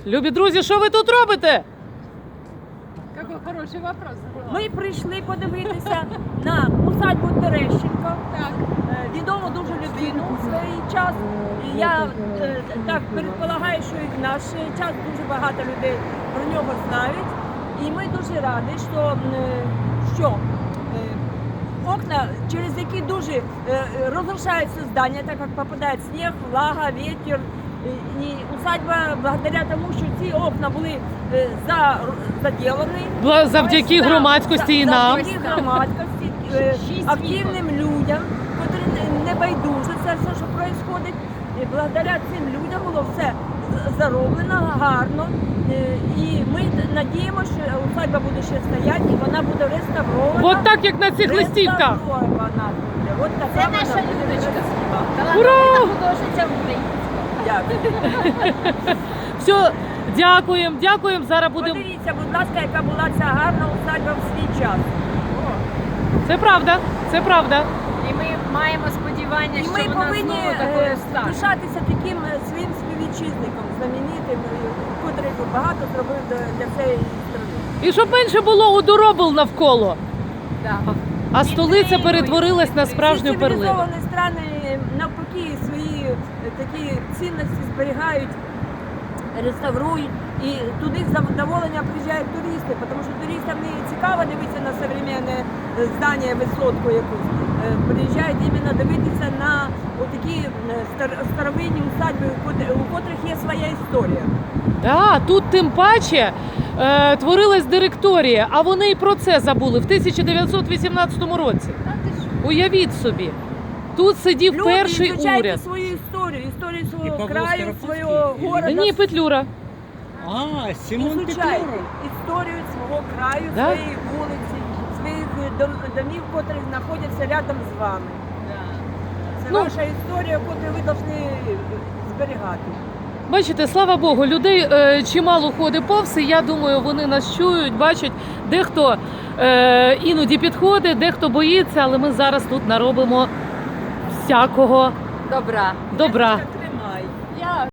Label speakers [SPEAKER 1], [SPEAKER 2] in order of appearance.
[SPEAKER 1] Любі друзі, що ви тут робите?
[SPEAKER 2] Какой хороший вопрос.
[SPEAKER 3] Ми прийшли подивитися на усадьбу Терещенко.
[SPEAKER 2] Так.
[SPEAKER 3] Відому дуже людину у свій час. І я так предполагаю, що і в наш час дуже багато людей про нього знають. І ми дуже раді, що окна, через які дуже розрушаються здання, так як попадає сніг, влага, вітер. І усадьба, благодаря тому, що ці окна були заділені.
[SPEAKER 1] Завдяки громадськості і нам.
[SPEAKER 3] Завдяки громадськості, активним людям, які не байдуже це все, що відбувається. І благодаря цим людям було все зароблено гарно. І ми надіємося, що усадьба буде ще стояти і вона буде реставрована.
[SPEAKER 1] От так, як на цих листівках.
[SPEAKER 3] Реставрована буде. От така
[SPEAKER 2] Це
[SPEAKER 3] вона
[SPEAKER 2] наша
[SPEAKER 3] буде
[SPEAKER 2] Людочка.
[SPEAKER 3] красива.
[SPEAKER 1] Ура!
[SPEAKER 2] Художниця України.
[SPEAKER 3] Дякую.
[SPEAKER 1] Все, дякуємо. Зараз будемо.
[SPEAKER 3] Подивіться, будь ласка, яка була ця гарна усадьба в свій час.
[SPEAKER 1] Це правда.
[SPEAKER 2] І ми маємо сподівання,
[SPEAKER 3] І
[SPEAKER 2] що
[SPEAKER 3] ми
[SPEAKER 2] вона
[SPEAKER 3] повинні
[SPEAKER 2] знову такою стане.
[SPEAKER 3] пишатися таким своїм співвітчизником, знаменитим, котрий багато зробив для цієї країни.
[SPEAKER 1] І щоб менше було удоробил навколо.
[SPEAKER 2] Да.
[SPEAKER 1] А столиця перетворилась на справжню
[SPEAKER 3] Всі
[SPEAKER 1] перлину.
[SPEAKER 3] цивілізовані країни навпаки свої такі цінності зберігають, реставрують. І туди з задоволення приїжджають туристи, тому що туристам не цікаво дивитися на сучасне здання, висотку якусь. Приїжджають іменно дивитися на такі старовинні усадьби, у котрих є своя історія.
[SPEAKER 1] Да, тут тим паче творилась директорія, а вони і про це забули в 1918 році.
[SPEAKER 2] Та ти що?
[SPEAKER 1] Уявіть собі, тут сидів
[SPEAKER 3] Люди,
[SPEAKER 1] перший
[SPEAKER 3] вивчайте
[SPEAKER 1] уряд.
[SPEAKER 3] свою історію свого
[SPEAKER 4] Павло
[SPEAKER 3] краю,
[SPEAKER 4] Скоропадський,
[SPEAKER 3] свого города.
[SPEAKER 1] Ні, Петлюра.
[SPEAKER 4] А, Симон
[SPEAKER 3] Изучайте
[SPEAKER 4] Петлюра.
[SPEAKER 3] історію свого краю,
[SPEAKER 1] Да?
[SPEAKER 3] своєї вулиці, своїх домів, які знаходяться рядом з вами. Це
[SPEAKER 1] Ну.
[SPEAKER 3] ваша історія, яку ви повинні зберігати.
[SPEAKER 1] Бачите, слава Богу, людей чимало ходить повз, і я думаю, вони нас чують, бачать. Дехто іноді підходить, дехто боїться, але ми зараз тут наробимо всякого
[SPEAKER 2] Добра.
[SPEAKER 1] добра.
[SPEAKER 3] Тримай.
[SPEAKER 2] Я